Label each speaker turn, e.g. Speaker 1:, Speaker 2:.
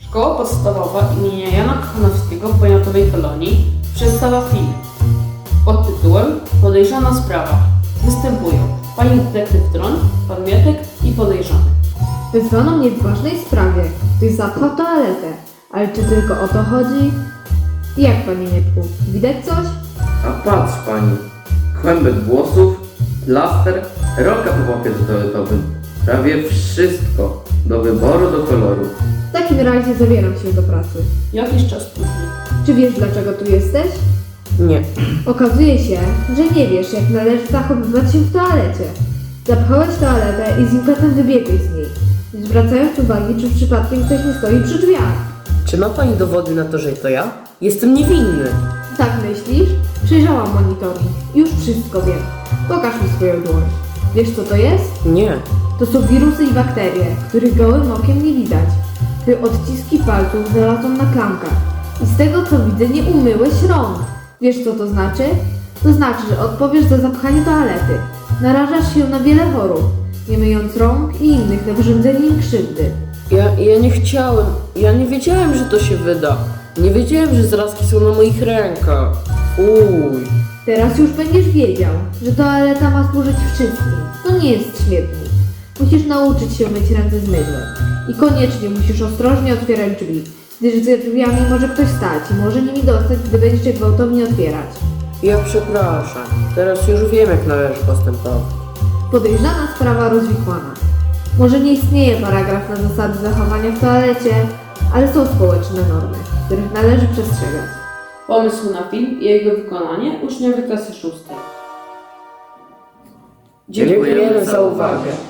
Speaker 1: Szkoła podstawowa imienia Jana Kochanowskiego w Poniatowej Kolonii przedstawia film pod tytułem Podejrzana sprawa. Występują pani detektyw Tron, pan Mietek i podejrzany.
Speaker 2: Wezwano mnie w ważnej sprawie. Ktoś zapchał toaletę. Ale czy tylko o to chodzi? Jak, panie Mietku? Widać coś?
Speaker 3: A patrz pani, kłębek włosów, plaster, rolka po papierze toaletowym. Prawie wszystko, do wyboru, do koloru.
Speaker 2: W takim razie zabieram się do pracy.
Speaker 1: Jakiś czas później.
Speaker 2: Czy wiesz, dlaczego tu jesteś?
Speaker 3: Nie.
Speaker 2: Okazuje się, że nie wiesz, jak należy zachowywać się w toalecie. Zapchałeś toaletę i z impetem wybiegłeś z niej, nie zwracając uwagi, czy przypadkiem ktoś nie stoi przy drzwiach.
Speaker 4: Czy ma pani dowody na to, że to ja? Jestem niewinny.
Speaker 2: Tak myślisz? Przejrzałam monitoring. Już wszystko wiem. Pokaż mi swoją dłoń. Wiesz, co to jest?
Speaker 4: Nie.
Speaker 2: To są wirusy i bakterie, których gołym okiem nie widać. Ty odciski palców znalazłam na klamkach. I z tego, co widzę, nie umyłeś rąk. Wiesz, co to znaczy? To znaczy, że odpowiesz za zapchanie toalety. Narażasz się na wiele chorób, nie myjąc rąk i innych na wyrządzenie im krzywdy.
Speaker 4: Ja nie chciałem. Ja nie wiedziałem, że to się wyda. Nie wiedziałem, że zarazki są na moich rękach. Uj.
Speaker 2: Teraz już będziesz wiedział, że toaleta ma służyć wszystkim. To nie jest śmietnik. Musisz nauczyć się myć ręce z mydłem. I koniecznie musisz ostrożnie otwierać drzwi, gdyż za drzwiami może ktoś stać i może nimi dostać, gdy będziesz je gwałtownie otwierać.
Speaker 4: Ja przepraszam. Teraz już wiem, jak należy postępować.
Speaker 2: Podejrzana sprawa rozwikłana. Może nie istnieje paragraf na zasady zachowania w toalecie, ale są społeczne normy, których należy przestrzegać.
Speaker 1: Pomysł na film i jego wykonanie uczniowie klasy 6.
Speaker 4: Dziękujemy za uwagę.